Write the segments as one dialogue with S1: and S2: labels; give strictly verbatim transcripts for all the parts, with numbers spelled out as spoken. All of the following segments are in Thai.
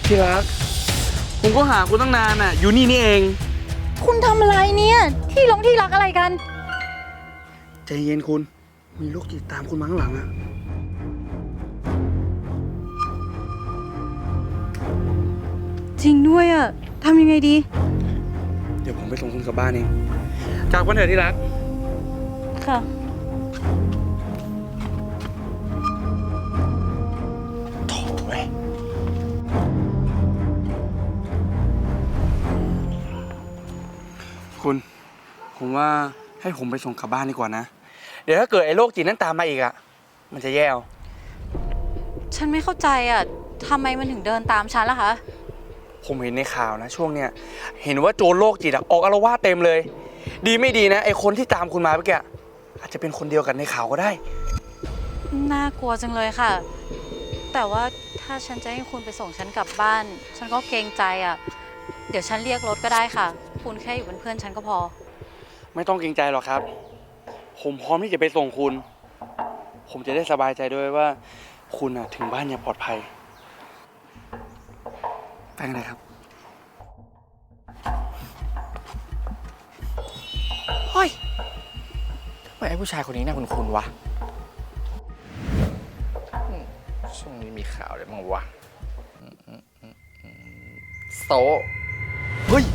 S1: ที่รักผมก็หาคุณตั้งนานอ่ะอยู่นี่นี่เอง
S2: คุณทำอะไรเนี่ยที่ลงที่รักอะไรกัน
S1: ใจเย็นคุณมีโรคจิตตามคุณมาข้างหลังอ่ะ
S2: จริงด้วยอ่ะทำยังไงดี
S1: เดี๋ยวผมไปส่งคุณกลับบ้านเองจากวันเถอะที่รัก
S2: ค่ะ
S1: โถ่เว้ยคุณผมว่าให้ผมไปส่งกลับบ้านดีกว่านะเดี๋ยวถ้าเกิดไอ้โรคจิตนั้นตามมาอีกอ่ะมันจะแย่เอา
S2: ฉันไม่เข้าใจอ่ะทำไมมันถึงเดินตามฉันล่ะคะ
S1: ผมเห็นในข่าวนะช่วงเนี้ยเห็นว่าโจรโรคจิตออกอาละวาดเต็มเลยดีไม่ดีนะไอ้คนที่ตามคุณมาเมื่อกี้อาจจะเป็นคนเดียวกันในข่าวก็ได้
S2: น่ากลัวจังเลยค่ะแต่ว่าถ้าฉันจะให้คุณไปส่งฉันกลับบ้านฉันก็เกรงใจอ่ะเดี๋ยวฉันเรียกรถก็ได้ค่ะคุณแค่อยู่เป็นเพื่อนฉันก็พอ
S1: ไม่ต้องเกรงใจหรอกครับผมพร้อมที่จะไปส่งคุณผมจะได้สบายใจด้วยว่าคุณอะถึงบ้านอย่างปลอดภัยไปกันเลยครับ
S3: เฮ้ยทำไมไอ้ผู้ชายคนนี้น่าคุ้นๆวะช่วงนี้มีข่าวอะไรบ้างวะโซเฮ้ย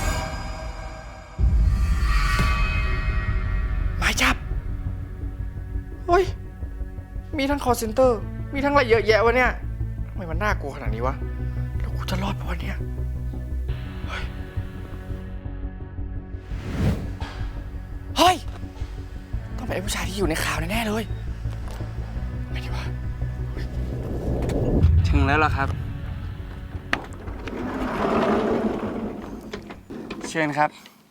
S3: หมายจับเฮ้ยมีทั้ง call center มีทั้งอะไรเยอะแยะวะเนี่ยทำไมมันน่ากลัวขนาดนี้วะแล้วกูจะรอดปะวะเนี่ยเฮ้ยเฮ้ยต้องเป็นไอ้ผู้ชายที่อยู่ในข่าวแน่ๆเลยไม่ดีวะ
S1: ถึงแล้วล่ะครับเชิญครับ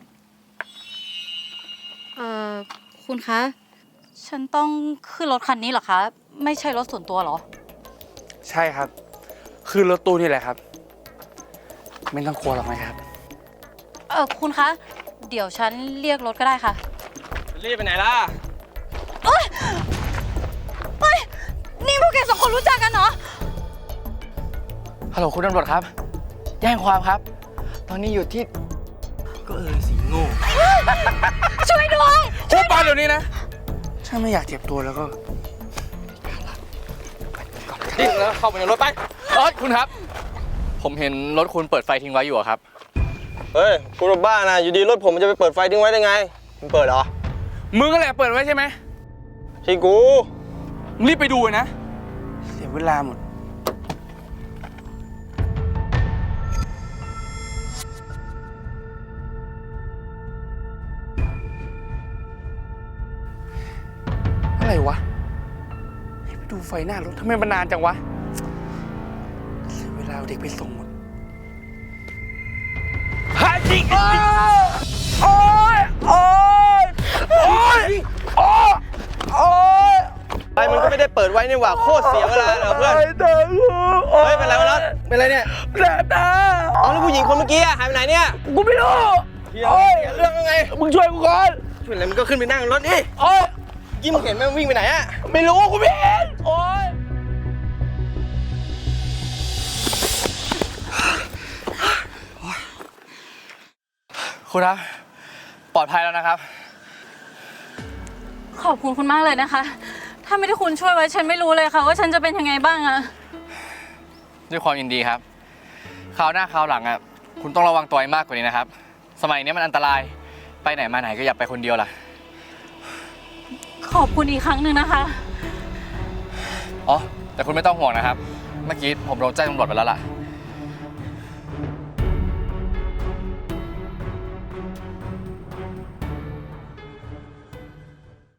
S2: เอ่อคุณคะฉันต้องขึ้นรถคันนี้เหรอคะไม่ใช่รถส่วนตัวเหรอ
S1: ใช่ครับคือรถตู้นี่แหละครับไม่ต้องกลัวหรอกนะครับ
S2: เออคุณคะเดี๋ยวฉันเรียกรถก็ได้ค่ะ
S1: รีบไปไหนล่ะ
S2: เอ้ยเฮ้ยนี่พวกแกสองคนรู้จักกันเหรอ
S3: ฮัลโหลคุณตำรวจครับแจ้งความครับตอนนี้อยู่ที่
S1: ก็เออสีโง่
S2: ช่วยด้วย
S1: พูดไปเดี๋ยวนี้นะถ้าไม่อยากเจ็บตัวแล้วก็
S3: ดิ้นแล้วเข้าไปในรถไปรถคุณครับผมเห็นรถคุณเปิดไฟทิ้งไว้อยู่ครับ
S4: เฮ้ยคุณบ้านะอยู่ดีรถผมมันจะไปเปิดไฟทิ้งไว้ได้ไงมึงเปิดเหรอ
S1: มึงก็แหละเปิดไว้ใช่ไหม
S4: ใช่กู
S1: มึงรีบไปดูนะเสียเวลาหมดอะไรวะให้ไปดูไฟหน้ารถทำไมมันนานจังวะเสียเวลาเด็กไปส่งหมดฮาจิโอ้ยโอ้ยโอ้ยโอ้ยโอ้ย
S4: ไฟมันก็ไม่ได้เปิดไว้นี่หว่าโคตรเสียเวลาเลยเพื่อนเฮ้ยเป็นไรวะน็อตเป็นไรเนี่ย
S1: แสบตา
S4: อ๋อแล้วผู้หญิงคนเมื่อกี้หายไปไหนเนี่ย
S1: กูไม่รู้
S4: โอ้ยเรื่องยังไง
S1: มึงช่วยกูก่อน
S4: ช่วยอะไรมึงก็ขึ้นไปนั่งรถนี่
S1: โอ้ย
S4: ยิ้มเห็นไหมวิ่งไปไหนอะ
S1: ไม่รู้กูไม่เห็นโอ๊ย
S3: คุณครับปลอดภัยแล้วนะครับ
S2: ขอบคุณคุณมากเลยนะคะถ้าไม่ได้คุณช่วยไว้ฉันไม่รู้เลยค่ะว่าฉันจะเป็นยังไงบ้างอะ
S3: ด้วยความยินดีครับคราวหน้าคราวหลังอะคุณต้องระวังตัวให้มากกว่านี้นะครับสมัยนี้มันอันตรายไปไหนมาไหนก็อย่าไปคนเดียวล่ะ
S2: ขอบคุณอีกครั้งหนึ่งนะคะ
S3: อ๋อแต่คุณไม่ต้องห่วงนะครับเมื่อกี้ผมโดนแจ้งตำรวจไปแล้วล่ะ